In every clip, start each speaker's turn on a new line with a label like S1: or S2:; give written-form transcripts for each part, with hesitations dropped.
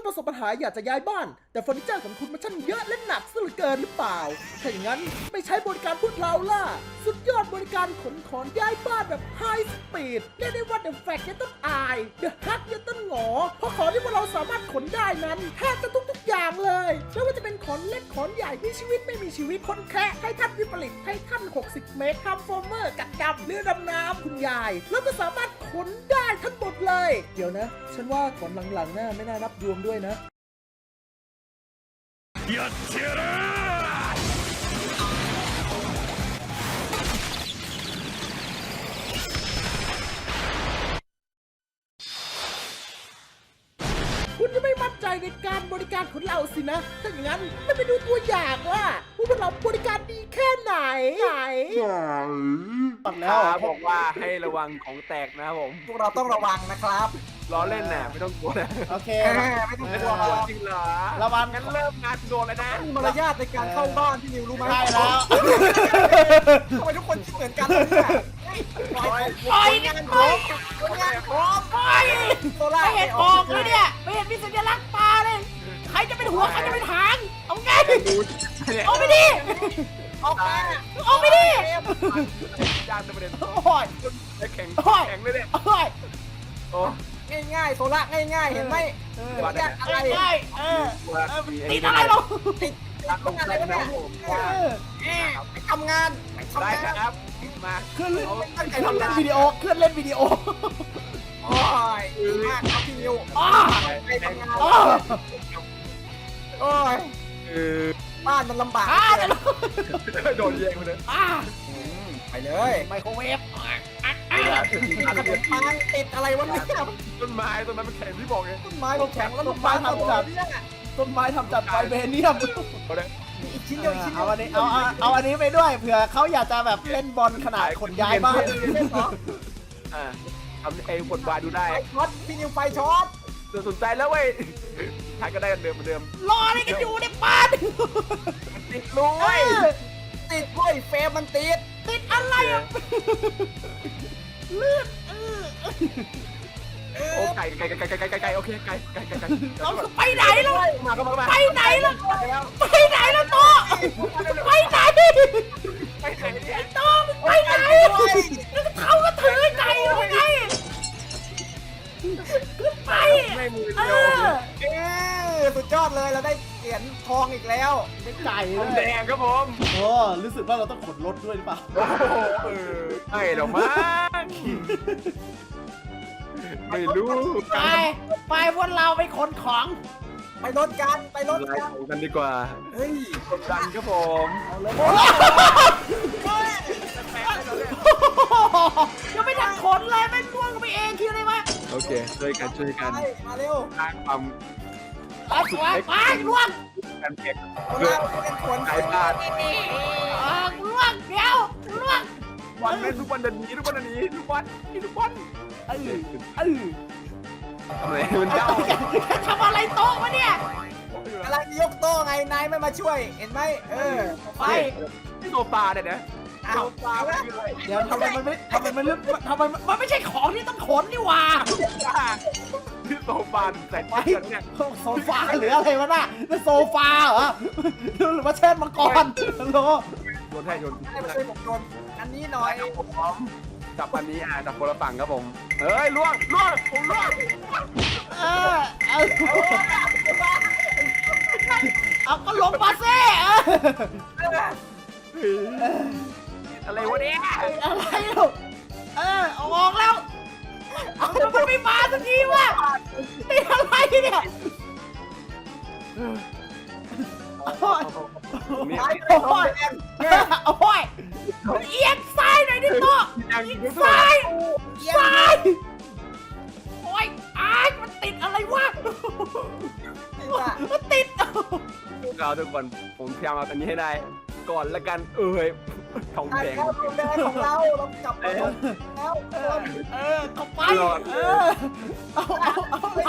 S1: ประสบปัญหาอยากจะย้ายบ้านแต่เฟอร์นิเจอร์ของคุณมันช่างเยอะและหนักซะเหลือเกินหรือเปล่าถ้าอย่างนั้นไม่ใช้บริการพวกเราล่ะสุดยอดบริการขนของย้ายบ้านแบบไฮสปีดเรียกได้ว่า The Fact ยังต้องอาย The Hack ยังต้องหงอเพราะของที่พวกเราสามารถขนได้นั้นแทบจะทุกอย่างเลยไม่ว่าจะเป็นขนเล็กขนใหญ่มีชีวิตไม่มีชีวิตคนแคะให้ท่านวิปริตให้ท่าน60 เมตรทำโฟมเมอร์กัดดำเรือดำน้ำคุณยายแล้วก็สามารถขนได้ทั้งหมดเลยเดี๋ยวนะฉันว่าขนหลังๆน่าไม่น่านับรวมด้วยนะ
S2: やってやる
S1: คุณจะไม่มั่นใจในการบริการของเราสินะถ้าอย่างนั้นไม่ไปดูตัวอย่างว่าพวกเราบริการดีแค่ไหน
S3: ตัดแล้วบอกว่าให้ระวังของแตกนะครับผม
S4: พวกเราต้องระวังนะครับ
S3: ล้อเล่นน่ะไม่ต้องกลัวนะ
S1: โอเค
S4: ไม่ต้อง
S3: ไม่
S4: ก
S3: ต้
S4: ลั
S3: อ
S4: ว
S3: งกลัวจริงเหรอ
S1: ระวัง
S3: งั้นเริ่มงานโดนเลยนะ
S4: มีมารยาทในการเข้าบ้านที่นิวรู้ไหม
S1: ใช่แล้ว
S4: ทำไมทุกคนคิดเหมือนกันเนี่ยปล่อยงานพร้อมงานพร้อมไปโซล่า
S5: ไม่เห็นออกเลยเนี่ยไม่เห็นมีสัญลักษณ์ปลาเลยใครจะเป็นหัวใครจะเป็นหางเอาไงเอาไปดิ
S4: ออกมา
S5: เอาไปดิ
S3: ยากประเด็น
S1: โอ้ย
S3: แข็งเลยเนี่ย
S1: โอ้ย
S3: โอ้
S4: ง่ายๆโซล่าง่ายๆเห็นไหมยากอะไร
S5: ได้ติด
S3: อะ
S5: อะไรเรา
S4: ติดอะไรวะเนี่ยไปทำงาน
S3: ได้ครับมา
S1: เคลื่อนเล่นวิดีโอเคลื่อนเล่นวิดีโอ
S4: โอ้ยดีมากครับพี่นิว ไปทำงานโอ้ยบ้านมันลำบาก
S3: โดนแย่งไปเลย
S4: ไปเลย
S1: ไมโครเวฟ
S4: ขนมปังติดอะไรวะเนี่ย
S3: ต้นไม้มันแข็งที่บอกไง
S4: ต้นไม้เราแข็งแล้วลูกไม้ทำแบบนี้
S1: ต้นไม้ทำจากไฟเบเนียม
S4: อีกชิ้นเดียวอีกชิ้นเดี
S1: เอา
S4: ยว
S1: อันนี้เอาอันนี้ไปด้วยเผื่อเขาอยากจะแบบเล่นบอลขนาดขนย้ายบ้าน
S3: ทำไอ้บทบาทดูได้
S4: ไฟช็อตพี่นิวไฟช็อต
S3: สนใจแล้วเว้ยทายก็ได้กันเดิมเหมือนเดิม
S5: รออะไรกันอยู่ในบ้าน
S3: ติดลุย
S4: ติดเว้ยเฟรมมันติด
S5: ติดอะไรอ่ะเลือด
S3: โอ้ไก่โอเคไก่
S5: เราจะไปไหนล่ะ
S3: มาก็มา
S5: ไปไหนล่ะไปไหนล่ะโตไปไหน
S3: ไปไหนเนี่ย
S5: โตไปไหนแล้วเขาก็ถือไก่ยังไงขึ้นไป
S3: ไม่มือ
S5: เอ
S3: เดียว
S5: อ
S4: สุดยอดเลยเราได้เหรียญทองอีกแล้ว
S1: ไม่ไก่
S3: ผม
S1: เล
S3: แด
S1: ย
S3: งครับผม
S1: โอ้รู้สึกว่าเราต้องขนรถด้วยหรือเปล่า
S3: โอ้โหไม่หรอกมั้งไม่รู้
S5: ไปพวกเราไปขนของ
S4: ไปรถกันไปรถ
S3: ไล่
S4: กัน
S3: ของกันดีกว่า
S4: เฮ้ย
S3: กดดันครับผม
S5: ยังไม่ทันขนเลยไม่ล่วงไปเองคิดอะไรวะ
S3: โอเคช่วยกัน
S4: ไปมาเร็ว
S3: สร้างความ
S5: ไปล่วง
S3: กันเก็บ
S4: เราเป็นคน
S3: ขายบ้าน
S5: ล่วงเดี๋ยวล่วง
S3: วันเล่นทุกวันเดินนี้ทุกวันนี้ทุกวันทำไมมันเจ้า
S5: ทำอะไรโต๊ะวะเนี่ย
S4: กำลังยกโต๊ะไงนายไม่มาช่วยเห็นไหมไป
S3: ที่โซฟาเนี่ยนะ
S4: เอาปลาแล้ว
S1: เดี๋ยวทำไมมัน
S5: มันไม่ใช่ของที่ต้องขนนี่หว่า
S3: ที่โซฟาใส่ไปเนี่ย
S1: โซฟาหรืออะไรวะน่ะนั่นโซฟาเหรอหรือว่าเช่นมังกรฮัลโหล
S3: โยนให้โยน
S4: ให้มาช่วยผมโดนอันนี้หน่อย
S3: ผมพร้อมจับอันนี้จับคนละฝั่งครับผมเฮ้ยล่วงผมล่วง
S5: เอาก็ลงมาซิ
S3: อะไรวะเนี่ย
S5: อะไรลูกเอาออกแล้วเอามันไม่มาสักทีวะนี่อะไรเนี่ย
S1: โอ้ย
S3: นี่
S4: โอ้ย
S5: โอ้ยเอียงซ้ายหน่อยดิโต
S3: ยัง
S5: ซ้ายโอ้ยมันติดอะไรวะมันติด
S3: เราทุกคนผมพยายามเอาอันนี้ให้ได้ก่อนละกันทอง
S4: ได้
S3: แดง
S4: แล้วเดินของเรากลับมาแล้ว
S5: เข้าไป
S1: เอาไหล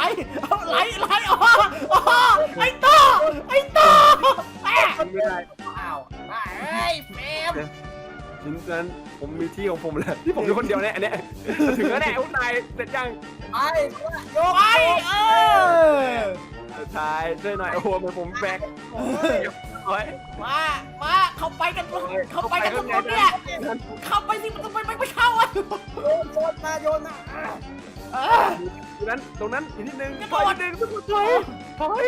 S5: ไอ้โต
S3: ไม่ได้
S4: อ้าว
S5: เฮ้ยเฟม
S3: ถึงนั้นผมมีที่ของผมแล้วที่ผมอยู่คนเดียวเนี่ยอันเนี้ยถึงแล้วแน่อุ้นายเสร็จยัง
S4: ไปยก
S5: ไป
S3: เสชายช่วยหน่อยโอ้โหเหมือนผมแบกโอ้ย
S5: มาเข้าไปกันเข้าไปกันทุกคนเนี่ยเข้าไปสิมันทำไมไม่เข้าอ่ะ
S4: โยนโยนมา
S3: ตรงนั้นอีกนิดนึง
S5: กระ
S3: ถ
S5: โด
S3: อย
S5: ด
S3: นิดนึงถอย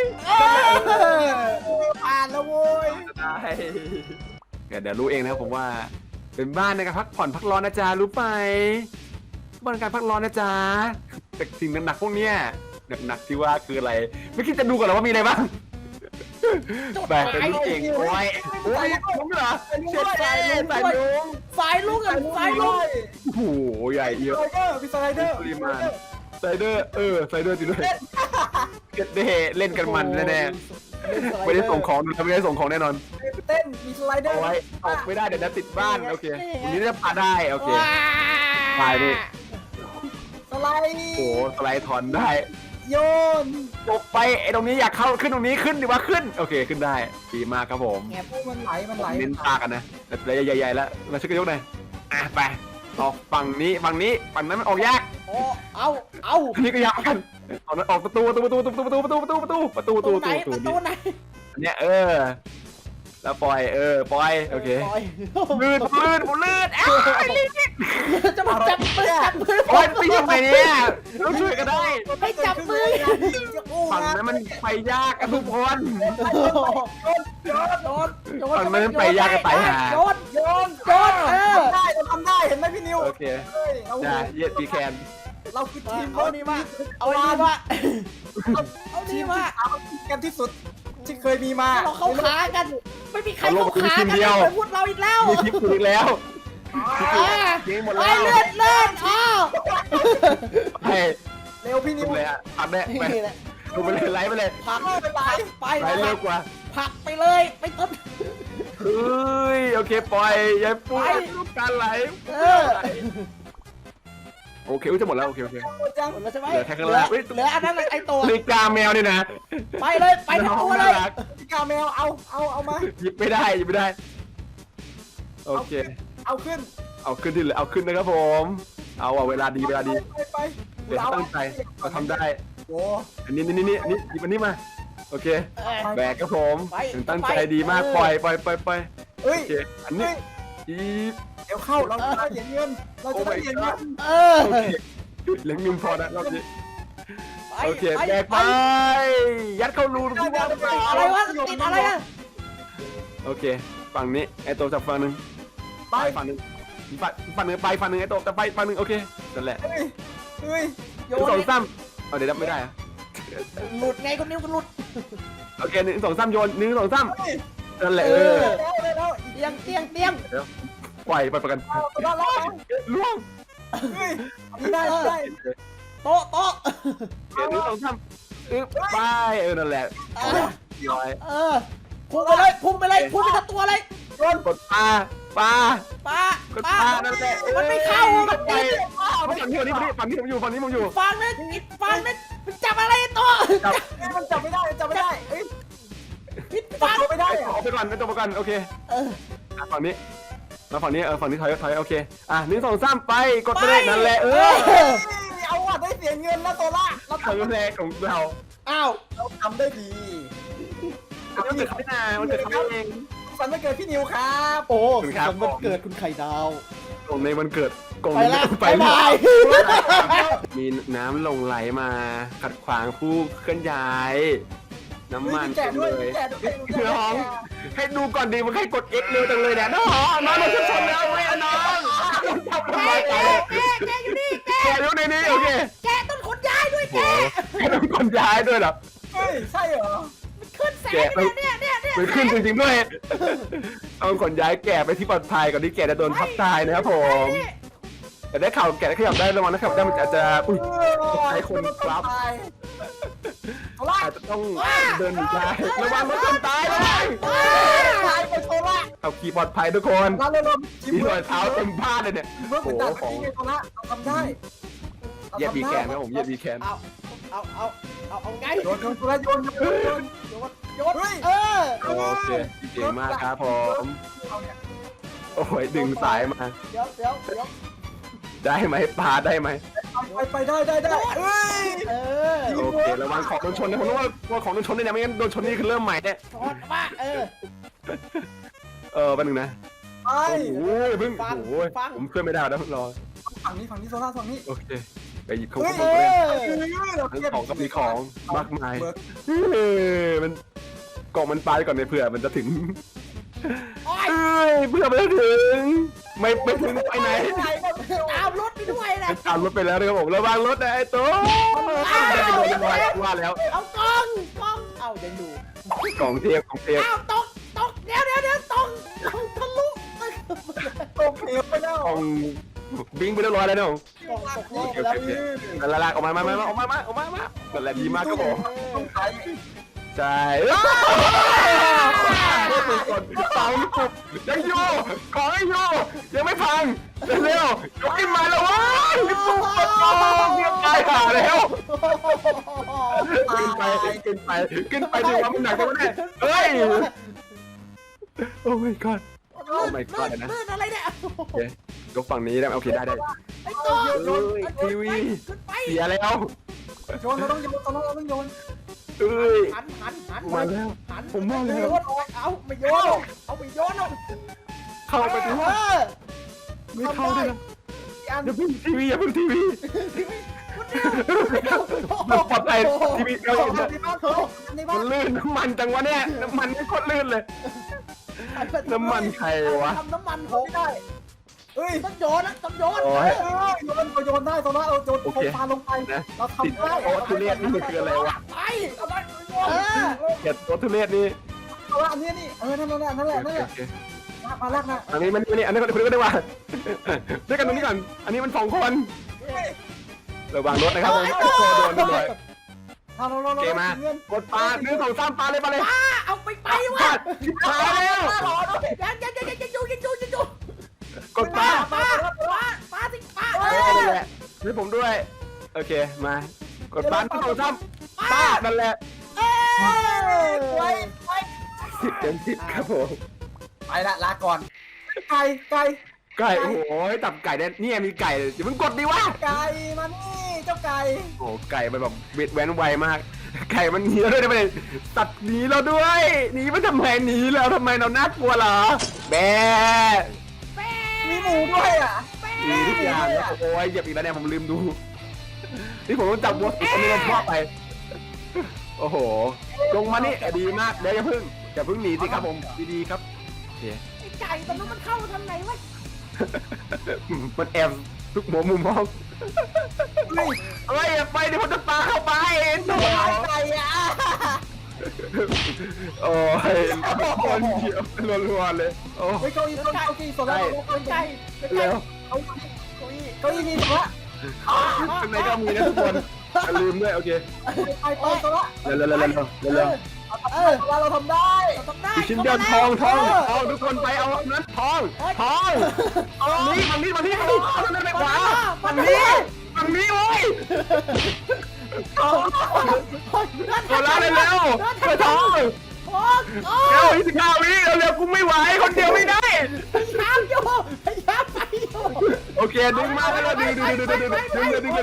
S4: ผ่านแล้วโว้ย
S3: ได้เดี๋ยวรู้เองนะครับผมว่า เป็นบ้านในการพักผ่อนพักร้อนนะจ๊ะรู้ไปบ้านในการพักร้อนนะจ๊ะแต่สิ่งหนักๆพวกเนี้ยหนักๆที่ว่าคืออะไร ไม่คิดจะดูก่อนหรอว่ามีอะไรบ้างแบกเป็นลูกเก่งโอ้ยผมเหรอเช็ดใจใส่ลุง
S5: สายลุกอ่ะสายลุก
S3: โอ้โหใหญ่เยอะ
S4: พี่สไลเดอร์
S3: ปริมาณไซเดอร์ไซเดอร์จริงด้วยเก็ตเดเล่นกันมันแน่ๆไม่ได้ส่งของดูไม่ได้ส่งของแน่นอน
S4: เต้นมีสไลเดอ
S3: เอา
S4: ร์
S3: ไว้ออกไม่ได้เดี๋ยวจะติดบ้านโอเควันนี้จะพาได้โอเคพายดิ
S4: สไลด์
S3: โอ้สไลด์ถอนได้
S4: โยน
S3: ตกไปไอ้ตรงนี้อยากเข้าขึ้นตรงนี้ขึ้นดีว่าขึ้นโอเคขึ้นได้ดีมากครับผม
S4: แงพวกมันไหล
S3: เน้นตากันนะแต่ใหญ่ๆแล้วมาช่วยกันยกหน่อยอ่ะไปออกฝั่งนี้ฝั่งนั้นมันออกยาก
S5: โอ้เอา
S3: อันนี้ก็ยากเหมือนกันตอนนั้นออกประตูไหนประตู
S5: ไหน
S3: อันเนี้ยแล้วปล่อยโอเค
S5: ปล่อย
S3: ลื่นผมลื่นอ้าวลื่น
S5: จะมาจับมือ
S3: โอ้ยไปยังไงเนี่ยต้องช่วยกันได้
S5: ให้จับมือ
S3: ฝั่งนั้นมันไปยากกันทุกคน
S5: โยน
S3: ฝั่งนั้นไปยากกันตายหา
S5: โยน
S4: ได้เราทำได้เห็นไหมพี่นิว
S3: โอเคจ้าเย็ดปีแคน
S4: เราคือทีม
S5: เอานี่มาเอานี่มาเอานี่มา
S4: กันที่สุดที่เคยมีมา
S5: เราเข้าขากันไม่มีใครเข้าขากันเลยพูดเราอีกแล้ว
S3: มีคลิปคุณอีกแล้วยิงหมด
S5: ไป
S3: แล้ว
S5: เลื่อนอ้าว
S3: ไป
S4: เร็วพี่นิว
S3: เลยอ่ะทำได้ไปดูไปเลยไลฟ์ไปเลย
S5: ผักไป
S3: ไลฟ์เร็วกว่า
S5: ผักไปเลยไปต้น
S3: เฮ้ยโอเคปล่อยยายปุ้ยลูกการไหลโอเคจะหมดแล้วโอเค
S4: จัง
S5: หมดแล้วใช่ไหม
S3: เหลือแค่ข้าง
S5: เห
S3: ล่าง
S5: ลืออันนั้นไอตัว
S3: นาฬิกาแมวนี่นะ
S5: ไปเลยไปทั้งตัวเลย
S4: พี่กาแมวเอามา
S3: หยิบไม่ได้โอเค
S4: เอาขึ้น
S3: เอาขึ้นที่เหลือเอาขึ้นนะครับผมเอาเวลาดี
S4: ไป
S3: เดี๋ยวตั้งใจเราทำได้
S4: โอ้
S3: อันนี้หยิบอันนี้มาโอเคแบกครับผมตั้งใจดีมากปล่อย
S4: เฮ้ย
S3: โอเคอันนี้อี
S4: เดี๋ยวเข้าเราจะได้เหรียญเงินเราจะได้เหรียญเงิน
S3: โอเคเหลือเงินพอนะรอบนี้โอเคแบกไปยัดเข้ารูทุกอย่าง
S5: อะไรวะติดอะไรอ่ะ
S3: โอเคฝั่งนี้ไอโตจับฝั่งนึงไปฝั่งนึงฝั่งนึงไปฝั่งนึงไอโตจะไปฝั่งนึงโอเคนั่นแหละ
S4: เฮ้ย
S5: โย
S3: 1
S5: น
S3: 2 3เอาเดี๋ยวไม่ได้อะ
S5: หลุดไงคนนิ้วก็หลุด
S3: โอเค1 2 3โยน1 2 3นั่นแหละ
S4: แล้ว
S5: เตียง
S3: ปล่อยประกันล่วง
S4: เฮ้ยได้
S5: โต๊ะ
S3: โอเค1 2 3ไปนั่นแหละร้อย
S5: พุ่งไปเลยพุ่งไปทั้งตัวเลย
S3: กดปลา นั่นแหละ
S5: มันไม่เข้ามัน
S3: ไป
S5: ติด
S3: ฝั่งนี้ผมอยู่ฝั่งนี้ผมอยู่
S5: ฟังนะมันจับอะไรตัว
S4: มันจับไม่ได้เฮ้ย
S5: ฟัง
S4: ไม่ได้
S3: ออกไปก่อนไปตัวประกันโอเคฝั่งนี้มาฝั่งนี้ฝั่งนี้ถอยโอเค1 2 3ไปกดไปเลยนั่นแหละ
S4: เอาว่ะได้เสียเงินแล้วโซล่าเรา
S3: ครั้งแรกของเรา
S5: อ้าว
S4: ทำได้ดี
S3: มันเกิดเขาเอง
S4: สันไม่เกิดพี่นิวครับ
S5: โอ้มันเกิดคุณไข่ดาว
S3: ตรงในวันเกิดกง
S5: ไปละ
S3: ไป
S5: บาย
S3: มีน้ำลงไหลมาขัดขวางผู้เคลื่อนย้ายน้ำมัน
S4: แกะด้วย
S3: เลยน้องให้ดูก่อนดีมันให้กด X เร็วจังเลยเนี่ยน้องมันจะชนแล้วไม่น้องจับทำไม
S5: แกอยู่นี่แก
S3: แกเร็วในนี้โอเค
S5: แกต้นขนย้ายด้วยแก
S3: แกต้องกดย้ายด้วยเหรอ
S4: เฮ้ยใช่เหรอ
S5: ขึ้นแสงเนี่ย
S3: มันขึ้นจริงๆด้วยเอาขนย้ายแกไปที่ปลอดภัยก่อนที่แกจะโดนทับตายนะครับผมแต่ได้ข่าวแกได้ขยับได้ระวังนะครับได้มันอาจจะใช้คนรับอาจจะต้องเดินหนีได้ระวังรถชนตายเลย
S4: ตายไปโซล่า
S3: เอาขี่ปลอดภัยทุกคน
S4: เราเริ่ม
S3: มีรอยเท้าเต็มบ้านเลยเนี่ย
S4: เมื่อผมตัดที่ไงโซล่าเราทำได้
S3: เหยียบบีแคนนะผมเหยียบบีแคน
S5: เอาไง
S4: โยนโซล่าโยน
S5: โยน
S3: โอเคเก่งมากครับผมโอ้ยดึงสายมา
S5: เดี๋ยว
S3: ได้ไหมปลาได้ไหม
S4: ไปได้เฮ้ย
S5: เออ
S3: โอเคระวังของโดนชนนะผมรู้ว่าของโดนชนเนี่ยไม่งั้นโดนชนนี่คือเริ่มใหม่เนี่ย
S5: ถอดมา
S3: แป๊บนึงนะ
S4: ไป
S3: โอ้ยเพิ่งโอ้ยผมช่วยไม่ได้แล้วรอ
S4: ฝั่งนี้โซล่าฝั่งนี้
S3: โอเคไปหยิบของ
S4: เฮ้
S3: ข
S4: ย
S3: องเล่น
S4: เรา
S3: ทั้ง
S4: เก็บ
S3: ของก็มีของมากมายมันกล่องมันปลาก่อนในเผื่อมันจะถึงเพื่อมันจะถึงไม่ถึงไปไหน
S5: ตามรถไปด้วยนะ
S3: ตามรถไปแล้วนะครับผมระวังรถนะไอ้ตัวว่าแล้ว
S5: เอากล้องเอายังดู
S3: กล่องเทียบ
S5: เอาตกเดี๋ยวตกทะลุ
S4: ตกเหวไปแล้ว
S3: กล่องบิงไปเรียบร้อยแล้วเนาะ
S5: กล้องตกโลก
S3: โอ
S5: แล้ว
S3: เคลากออกมานั่นแหละดีมากครับผม
S4: ต้องใช้
S3: ใช่เสาปุบยังอยู่ของยังอยู่ยังไม่พังเร็วยกขึ้นมาแล้วว้ายปุ๊บเรียบตายหาแล้วขึ้นไปดีว่ามันหนักจังเนี่ยเฮ้ยโอ้ my god
S5: ลื่นอะไรเนี่ย
S3: โอเคยกฝั่งนี้ได้โอเคได้
S5: ไอ้ตัว
S3: ทีวี
S5: ขึ้นไป
S3: เสียแล้ว
S4: โยนเราต้องโยนเราต้องโยน
S3: เอ้ย
S5: หัน
S3: มาแล้วผมมาแล้ว
S5: เอาไม่โยนเอา
S3: เข้าไปดูไม่เข้าได้นะอย่าเพิ่งทีวีปลอดภัยทีวีเรา
S4: ในบ้าน
S3: มันลื่นน้ำมันจังวะเนี่ยน้ำมันไม่โคตรลื่นเลยน้ำมันใครวะ
S5: ทำน้ำมันหก
S4: ได้เฮ้ย
S5: ต้องโยนโยน
S3: โอ้ย
S4: โยนได้โซล่าเราโยนโคฟาลงไป
S3: นะ
S4: เรา
S3: ติด
S4: ทำได้
S3: โต๊ะทุเรศนี่มันคืออะไรวะ
S5: ไปเอาไป
S3: เก็บโต๊ะทุเรศนี่
S4: โซล่าอันนี้นี่นั่นแหละมาลากนะ
S3: อันนี้มันอันนี้คนก็ได้ว่าด้วยกันตรงนี้ก่อนอันนี้มัน2 คนระวังรถนะครับผมโดนเลย
S4: เรา
S3: เกมากดปลา1 2 3ปลาเลย
S5: เอาไปวะ
S3: ปลาแล้ว
S5: ยังอยู่
S3: กดปลา
S5: สิปลา
S3: นั่นแหละให้ผมด้วยโอเคมากดปลา1 2 3ปลานั่นแหละ10 เต็ม 10ครับผม
S4: ไปละลาก่อนไก่
S3: โอ้โหตับไก่เนี่ยมีไก่อย่าเพิ่งกดดิวะ
S4: ไก่มานี่เจ้าไก่
S3: โอ้ไก่มันแบบเบ็ดแว้นไวมาก ไก่มันหนีเราด้วยนะประเด็นตัดหนีเราด้วยหนีมันทำไมหนีเราทำไมเราน่ากลัวเหรอแบ
S4: มีหมูด้วยอ่ะ
S3: หนีทุกอย่างโอ้ยเหยียบอีกแล้วเนี่ยผมลืมดูนี่ผมต้องจับวัวสุดอันนี้มันพ่อไปโอ้โหลงมานี่ดีมากเดี๋ยวอย่าเพิ่งหนีสิครับผมดีๆครับโอเค
S5: ไอ้ไก่ตอนนั้นมันเข้าทางไหนวะ
S3: มันแอบทุกหัวมุมห้องเฮ้ยอย่าไปเดี๋ยวผมจะปาเข้าไปโถ่
S4: ไก่อ่ะ
S3: โอ้ยคนเดียวรัวๆเลยโอ้
S4: เฮ้ยเก้าอี้โซล่า
S5: ไก่
S3: เร็ว
S4: เก้าอี้มีโซล่า
S3: ข้างในก็มีนะทุกคนอย่าลืมด้วยโอเค
S4: ไปโซล่า
S3: เร็ว
S4: เราทำได้
S5: ต้องได้
S3: ชิ้นเดียวทองทุกคนไปเอานั้นทองฝั่งนี้เอานั้นไปขวาฝั่งนี้โอ้ยโซล่าเร็วไปทองเร็ว25 วิเร็วกูไม่ไหวคนเดียวไม่ได้
S5: พยายามไปอยู่
S3: โอเคดึงมากแล้วดึงเลยดึงยาว
S4: ไปมาเนี่ย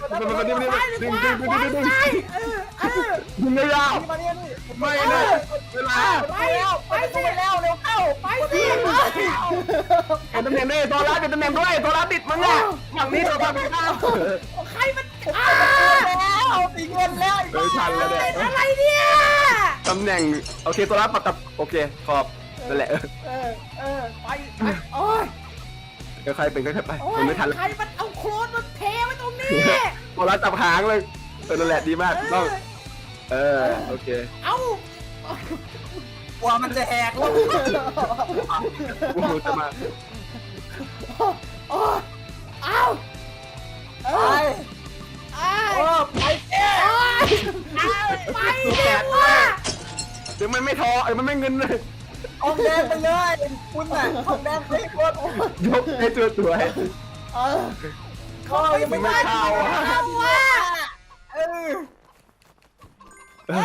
S4: นี่
S3: ไม่นะเวลา
S4: ไปแล้วเร็วเข้า
S5: ไปสิ
S3: เก็บตำแหน่งด้วยโซล่าเก็บตำแหน่งด้วยโซล่าติดมั้งเนี่ยฝั่งนี้โซล่าติดข้าว
S5: ใครมัน
S4: เอาตีเงินแล้ว
S3: ทันแล้วเนี่ย
S5: อะไรเนี่ย
S3: ตำแหน่งโอเคโซล่าปัดกับโอเคขอบนั่นแหละ
S5: ไปโอ้ย
S3: ใครเป็นก็ไปผมไม่ทันแล้ว
S5: ใครมันเอาโคลนมาเทไว้ตรงนี้
S3: โซล่าจับหางเลยนั่นแหละดีมากต้องโอเค
S5: เอ้า
S4: ว่ามันจะแหกแล้ว
S3: กูจะมา
S5: เอ้า
S4: ไปเอ๊ะ
S5: ไปเร็วว่ะ
S3: เดี๋ยวมันไม่ทอมันไม่เงินเลย
S4: ทองแดงไปเลยคุณน่ะทองแดงไปหมด
S3: ยกให้ตัวสวย
S4: เขายังไม่ได้
S5: ว่ะ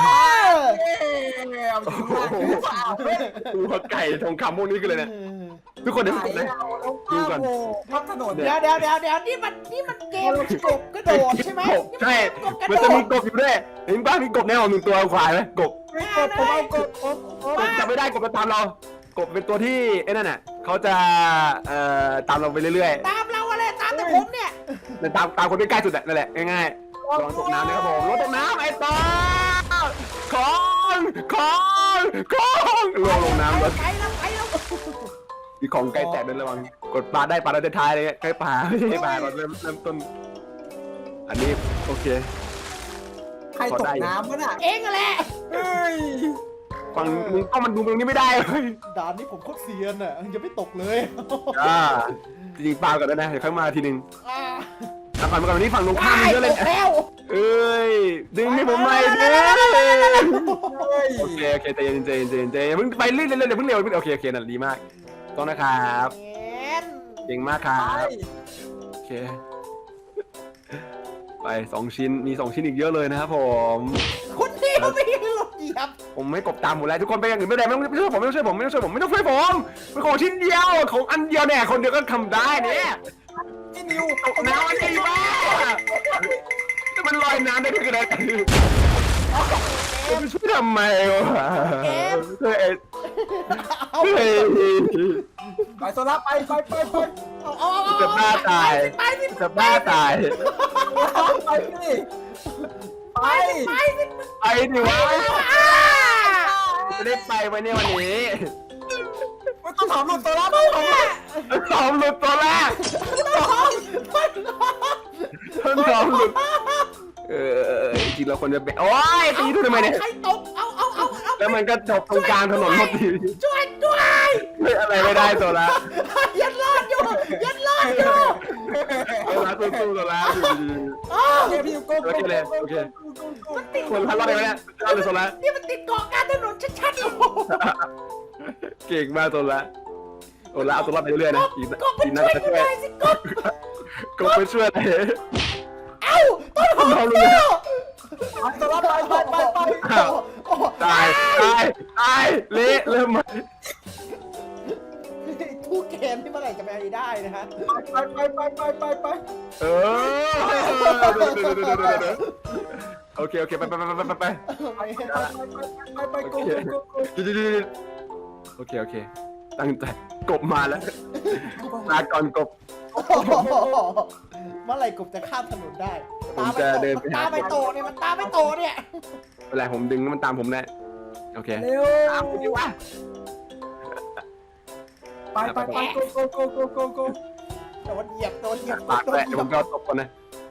S4: เอาจริง
S3: ตัวไก่ทองคำพวกนี้กันเลยเนี่ย
S5: เ
S3: ทุกคนเดี๋ยวผมกดนะ ดูก่อน
S4: พับถนน
S5: เดี๋ยวนี่มันเกมกบกระโดดใช่ไหม
S3: กบใช่
S5: นี่มันเกมกบกระโดด
S3: มันจะมีกบอยู่ด้วยเห็นป่ะมีกบแน่นอน1 ตัวขวายไหมกบ
S4: ไม่กดผมเอากดผม
S3: จับไม่ได้กบจะตามเรากบเป็นตัวที่ไอ้นั่นน่ะเขาจะตามเราไปเรื่อย
S5: ตามเราอะไรตามแต่ผมเนี่ย
S3: ๆแต่ตามคนที่ใกล้สุดนั่นแหละง่ายๆลองตกน้ำนะครับผมรถตกน้ำไอ้ต่อของลงน้ำรถ
S5: ไปแล้ว
S3: มีของใกล้แตกเดินระวังกดปลาได้ปลาได้ท้ายเลยใกล้ปลาไม่ใช่ปลาเราเริ่มต้นอันนี้โอเค
S4: ใครตกน้ำวะน่ะ
S5: เองแหละ
S4: เฮ้ย
S3: ฝั่งมึงก็มันดูตรงนี้ไม่ได้เลย
S1: ด่านนี้ผมโคตรเซียนอ่ะยังไม่ตกเลย
S3: จริงๆปลาก่อนนะเดี๋ยวค่อยมาทีนึง
S5: อ่า
S3: เอาก่อนมาก่อนวันนี้ฝั่งตรงข้ามมีเยอะเลย
S5: ตกแล้ว
S3: เอ้ยดึงให้ผมหน่อยเด้
S4: เฮ้ย
S3: โอเคใจเย็นเพิ่งไปเรื่อยๆเดี๋ยวเพิ่งเร็วโอเคนั่นดีมากต้องนะครับ
S5: เอ็น
S3: เก่งมากครับโอเคไป2 ชิ้นมี2 ชิ้นอีกเยอะเลยนะครับผม
S5: คนเดียวไม่ได้หลบเหยียบ
S3: ผมไม่กบตามหมดแล้วทุกคนไปอย่างอื่นไม่ได้ไม่ต้องช่วยผมไม่ต้องช่วยผมเป็นของชิ้นเดียวของอันเดียวเนี่ยคนเดียวก็ทำได้เนี่ย
S4: พี่นิว
S3: ตกน้ำมันดีมากแต่มันลอยน้ำได้ด้วยกันนะช่วยทำไมวะเฮ้ย
S5: เอา
S3: เฮ้ย
S4: ไปโซล่าไป
S3: จะบ้าตาย
S5: ไปสิ
S3: จะบ้าตาย
S4: ไปสิไป
S3: ไปดิวะจะได้ไปไหมเนี่ยวันนี้
S4: ไม่ต้องถามลูกโซล่าไป
S3: ซ้อมหลุดตัวแรกซ้อมหลุดจริงๆเราควรจะโอ้ยตีดูทำไมเนี่ย
S5: ใครตกเอา
S3: แล้วมันก็จบตรงกลางถนนพอดี
S5: ช่วยด้วย
S3: ไม่อะไรไม่ได้ตัวละ
S5: ยันรอดอยู่
S3: ตัวละสู้ตัวละอยู่ดี
S4: พี่นิวโก้
S3: คนพันรอดไปไหมเนี่ยรอดเลยตัวละ
S5: นี่มันติดเกาะกลางถนนชัดๆโอ้โห
S3: เก่งมากตัวละตัวละเอาตัวรอดไปเรื่อยๆนะอีก
S5: กบมันช่วยกูหน่อยสิกบ
S3: ก็ไปช่วยเลย
S5: เอ้าต้นหอม
S3: เราเลย
S5: เจ้า
S4: โซล่าไป
S3: ตายเละเริ่มมา
S5: ทุกเกมที่เมื่อไหร่จะไปได้นะฮะ
S4: ไป
S3: เออโอเคไปโอเคตั้งใจกบมาแล้วลาก่อนกบ
S5: เมื่อไหร่กบจะข้ามถนนได้
S3: ผมจะเดินไปหา
S5: ตาไปโตเนี่ยมันตาไปโตเนี่ย
S3: เวลาผมดึงมันตามผมแน่โอเค
S4: เร็ว
S3: ตามกูดิวะ
S4: ไปโก
S5: โดนเหยียบ
S3: ปากแตะผมก็ตบก่อนนะ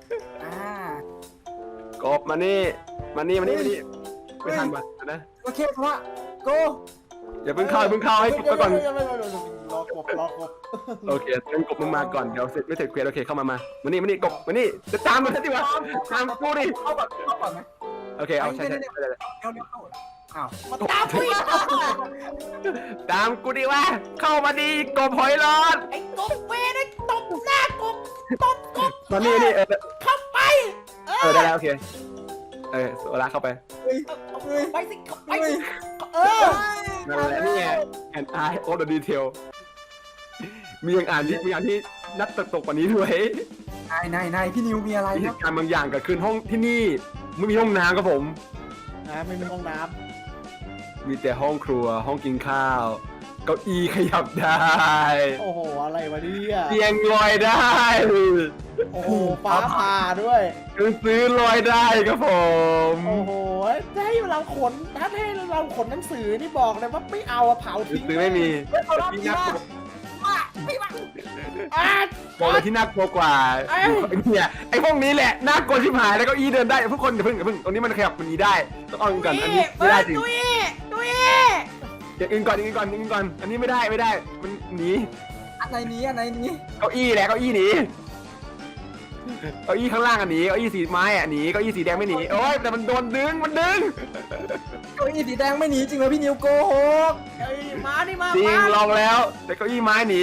S3: กบมานี่ไม่ทันมานะ
S4: โอเคพระโก
S3: อย่าเพิ่งเข้าให้กบไปก่อน
S5: รอกบ
S3: โอเคงั้นกบมึงมาก่อนเดี๋ยวเสร็จไม่เสร็จเควสโอเคเข้ามามานี่กบมานี่จะตามมันดิวะตามกูดิ
S4: เข้าก่อนไหม
S3: โอเคเอาใช่
S4: เร็วอ้าว
S5: มาตามกูอีก
S3: ตามกูดิวะเข้ามาดิกบหอยรอด
S5: ไอ้กบเวรไอ้ตบหน้ากบตบกบ
S3: มานี่
S5: เข้าไป
S3: ได้แล้วโอเคโซล่าเข้าไป
S5: ไปสิเข้าไปสิ
S3: นั่นแหละนี่ไง and I all the detail มีอย่างที่นักตกกว่านี้ด้วย
S4: นายพี่นิวมีอะไร
S3: มีเห
S4: ครับ
S3: ตุการณ์บางอย่างเกิดขึ้นห้องที่นี่ไม่มีห้องน้ำครับผม
S5: ไม่มีห้องน้
S3: มีแต่ห้องครัวห้องกินข้าวเก้าอี้ขยับได้
S5: ำโอ้โหอะไรวะเนี่ย
S3: เตียงลอยได้
S5: โอ้โหฟ้าผ่าด้วย
S3: หนังสือลอยได้ครับผม
S5: โอ้โหถ้าให้เราขนหนังสือนี่บอกเลยว่าไม่เอาอะเผา
S3: หนั
S5: ทิ้
S3: ง
S5: ง
S3: สือไม่มี
S4: เขารอบ
S3: ที่
S4: ที่
S3: น่าก
S4: ว่า
S3: ลัว
S5: อ่ะ
S3: บอกเลยที่น่ากลัวกว่าเนี่ยไอ้พวกนี้แหละน่ากลัวชิบหายแล้วเก้าอี้เดินได้ทุกคนอย่าเพิ่งตรงนี้มันขยับมันนี้ได้ต้องเอากันอันนี้ไม่ได้จริง
S5: ตุ้ย
S3: อย่างอื่นก่อนอันนี้ไม่ได้มันหนี
S4: อันไหนนี้
S3: เก้าอี้แหละเก้าอี้หนีเก้าอี้ข้างล่างอันหนีเก้าอี้สีไม้อ่ะหนีเก้าอี้สีแดงไม่หนีโอ้ยแต่มันโดนดึง
S4: เก้าอี้สีแดงไม่หนีจริงเหรอพี่นิวโกหก
S5: เอ้ยมานี่มา
S3: จริง
S5: มา
S3: ลองแล้วแต่เก้าอี้ไม้หนี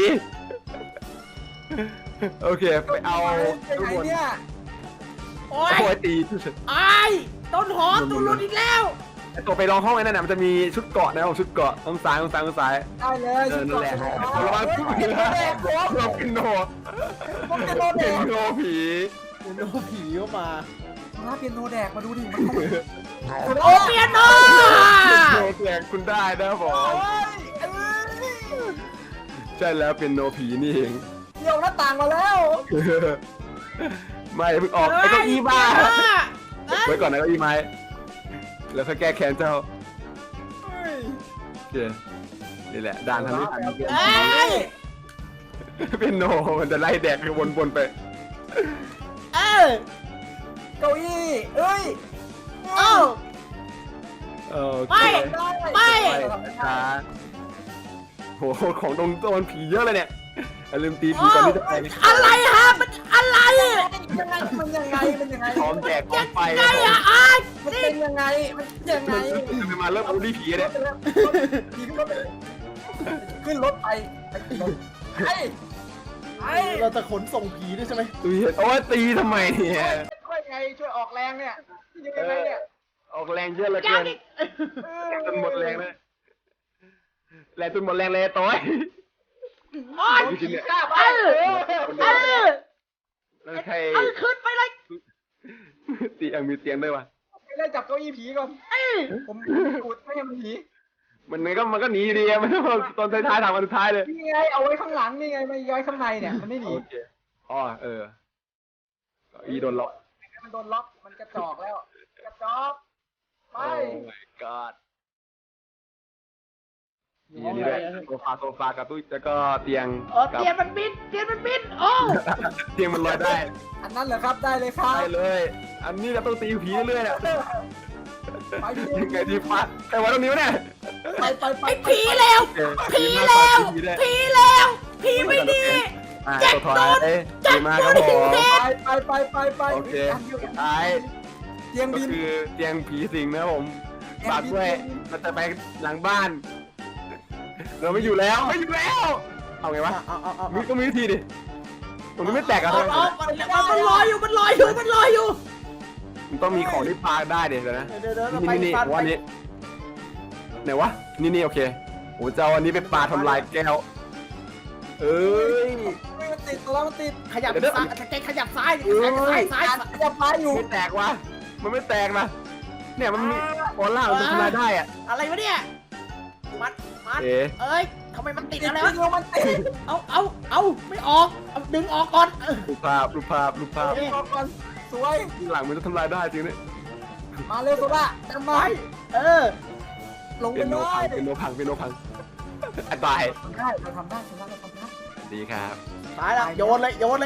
S3: โอเคไปเอา
S4: ไปไหนเนี่ย
S5: โอ้ย
S3: โอ้ยตี
S5: ไอ้ต้นหอมตูรุนอีกแล้ว
S3: ไอ้ตัวไปลองห้องไอ้นั่นน่ะมันจะมีชุดเกราะนะผมชุดเกราะต้องซ้าย
S4: ได้เลย
S3: นั่นแหละระวังผี
S4: เ
S3: นะเราเป็นโน
S4: พวกเปียโนแด
S3: เป็น
S4: ก
S3: โนผี
S1: เป็นโนผีเข้ามา
S4: มาเปียโนแดกมาดูดิมัน
S5: โอเปียโน
S3: โนแจกคุณได้นะผมใช่แล้วเป็นโนผีนี่เอง
S4: เดี่ยวหน้าต่างมาแล้ว
S3: ไม่เพิ่งออกไอ้เก้าอี้บ้าไว้ก่อนนะเก้าอี้ไม้แล้วค่อยแก้แค้นเจ้าโอเคนี่แหละด่านทางนี้ทางนี้
S5: เอ้ย
S3: เป็นโนมันจะไล่แดกวนๆไป
S5: เออ
S4: เก้าอี้เอ้ย
S5: เอ้า
S3: โอเค
S5: ไม่
S3: ช้าโหของตรงโดนผีเยอะเลยเนี่ยอย่าลืมตีผีก่อนที่จะไป
S5: อะไรฮะมันอะไร
S4: ยังไงมันยังไงมันยังไง
S3: พร้อมแจกพร้อมไป
S5: ไงอะอ้าย
S4: มันเป็นยังไงมันยังไง
S3: มันมาเริ่มบูลลี่ผีเนี่ย
S4: ขึ้นรถไปไอ้
S1: เราจะขนส่งผีด้วยใช่ไหม
S3: ตีโอ้ยตีทำไมเนี่ย
S4: ช่วยไงช่วยออกแรงเนี่ยยังไงเนี่ย
S3: ออกแรงเยอะเหลือเกินแรงจนหมดแรงเลยแรงจนหมดแรงเลยต้อย
S5: โอ้ย
S3: จริงๆเนี่ย
S4: กล้าไป
S5: เออ
S3: แล้วใคร
S5: เอาขึ้นไปเลย
S3: เตียงมีเตียงด้วยวะ
S4: ไม่ได้จับเก้าอี้ผีก่อนผมกูดไม่ให้มันผี
S3: มันก็หนีอยู่ดีอะมันตอนท้ายๆทางวันสุดท้ายเลย
S4: นี่ไงเอาไว้ข้างหลังนี่ไงไม่ย้อยข้างในเนี่ยมันไม่หนี
S3: โอเคอ๋ออีโดนล็อก
S4: มันโดนล็อกมันกระจอกแล้วกระจอกไป
S3: โอ้ my god มีอันนี้ด้วยโซฟากับตู้แล้วก็เตียง
S5: โอ้เตียนมันบินโอ้
S3: เตียงมันลอยได้
S4: อันนั้นเหรอครับได้เลยครับ
S3: ได้เลย อันนี้เราต้องตีผีเรื่อยๆเนี่ย
S4: ไปดิ
S3: ยังไงดีฟัดใครวะตรงนี้วะเนี่ย
S4: ไป
S5: ไอ้ผีแล้ว ผีไม่ดี
S3: ตัวถอยดีมากครับผม
S4: ไป
S3: โอเคสุดท้าย
S4: เตียง
S3: ก็
S4: บิน
S3: คือเตียงผีสิงนะครับผมฝากด้วยเราจะไปหลังบ้าน เราไม่อยู่แล้วเอาไงวะ
S1: เอา
S3: มีก็มีวิธีดิผมไม่แตกอะ
S5: มันลอยอยู่มันลอยอยู่
S3: มันต้องมีของที่ปาได้เดี๋ยวนะ
S1: เดี๋ยวเราไป
S3: นี่
S1: ฟัน
S3: วันนี้ไหนวะนี่โอเคโอ้จะเอาอันนี้ไปปาทำลายแก้วเอ้ย
S4: มันติดแล้วมันติด
S5: ขยับซ้ายขยับซ้ายซ้าย
S4: จะพาอยู่
S3: ไม่แตกวะมันไม่แตกนะเนี่ยมันมีออร่ามันทำลายได้อะ
S5: อะไรวะเนี่ยมัน
S3: เอ๊ะ
S5: เอ้ยทำไมมันติดอะไร
S4: แล้ว
S5: วะ
S4: มันติด
S5: เอาไม่ออกดึงออกก่อน
S3: รูปภาพ
S4: ออกก่อนสวย
S3: หลังมันจะทำลายได้จริงเนี่ย
S4: มาเร็วโซล่าจำไว้ ลง
S3: เป็
S4: ไป
S3: น
S4: เล
S3: โนพัง
S4: ย
S3: เป็นโนพังอันตาย
S4: ได้เราทำได้โซล่าเราทำได้
S3: ดีครับ
S5: ตายแล้วโยนเลย
S4: 1 2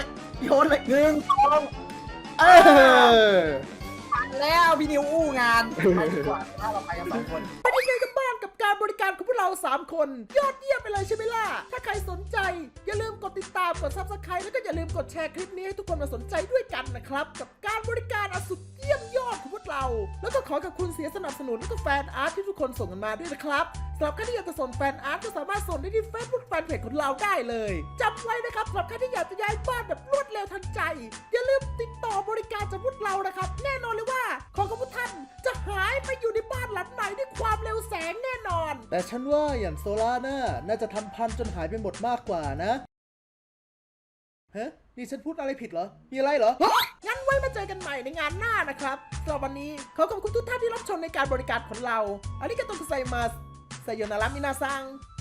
S4: แล้วพี่นิวอู้งานไปดีกว่าถ้าเราไปกัน2 คน
S1: เป็นยังไงกันบ้างกับการบริการของพวกเรา 3 คน ยอดเยี่ยมไปเลยใช่ไหมล่ะ ถ้าใครสนใจ อย่าลืมกดติดตามกด Subscribe แล้วก็อย่าลืมกดแชร์คลิปนี้ให้ทุกคนมาสนใจด้วยกันนะครับ กับการบริการอันสุดเยี่ยมยอดของพวกเรา แล้วก็ขอขอบคุณเสียงสนับสนุนและก็แฟนอาร์ตที่ทุกคนส่งกันมาด้วยนะครับสำหรับใครที่อยากจะส่งแฟนอาร์ตก็สามารถส่งได้ที่ Facebook Fanpage ของเราได้เลยจำไว้นะครับสำหรับใครที่อยากจะย้ายบ้านแบบรวดเร็วทันใจ อย่าลืมติดต่อบริการจากพวกเรานะครับแน่นอนเลยว่าของของพวกท่านจะหายไปอยู่ในบ้านหลังไหนด้วยความเร็วแสงแน่นอน แต่ฉันว่าอย่างโซล่าน่าจะทำพันจนหายไปหมดมากกว่านะฮะนี่ฉันพูดอะไรผิดเหรอมีอะไรเหรองั้นไว้มาเจอกันใหม่ในงานหน้านะครับสำหรับวันนี้ขอขอบคุณทุกท่านที่รับชมในการบริการของเราอาริกาโตกุไซมัสไซโยนารามินาซัง